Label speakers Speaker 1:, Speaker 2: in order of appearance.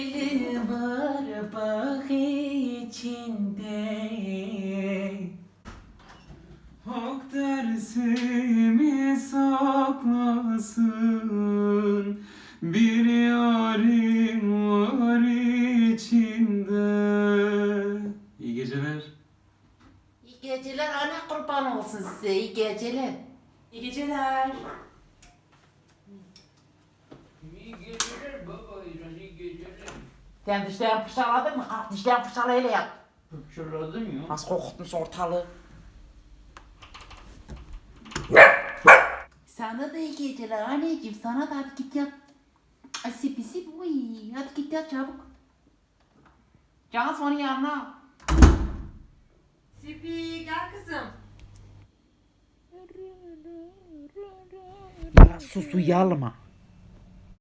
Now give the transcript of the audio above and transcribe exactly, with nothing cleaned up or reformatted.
Speaker 1: dili var bak içinde. Hak dersimi saklasın, bir yarim var içinde. İyi geceler.
Speaker 2: İyi geceler, ana kurban olsun size, iyi geceler.
Speaker 3: İyi geceler.
Speaker 4: İyi geceler baba, iyi geceler.
Speaker 2: Sen dişlerini fırçaladın mı? Ah, dişlerini fırçala öyle yap.
Speaker 4: Fırçaladım ya.
Speaker 2: Nasıl kokutmuş ortalığı. Sana da iyi geceler anneciğim, sana da hadi git yat. Ay sip sip, uy, hadi git yat çabuk. Can sonra yanına.
Speaker 3: Sipi gel kızım.
Speaker 2: Ya sus uyalma.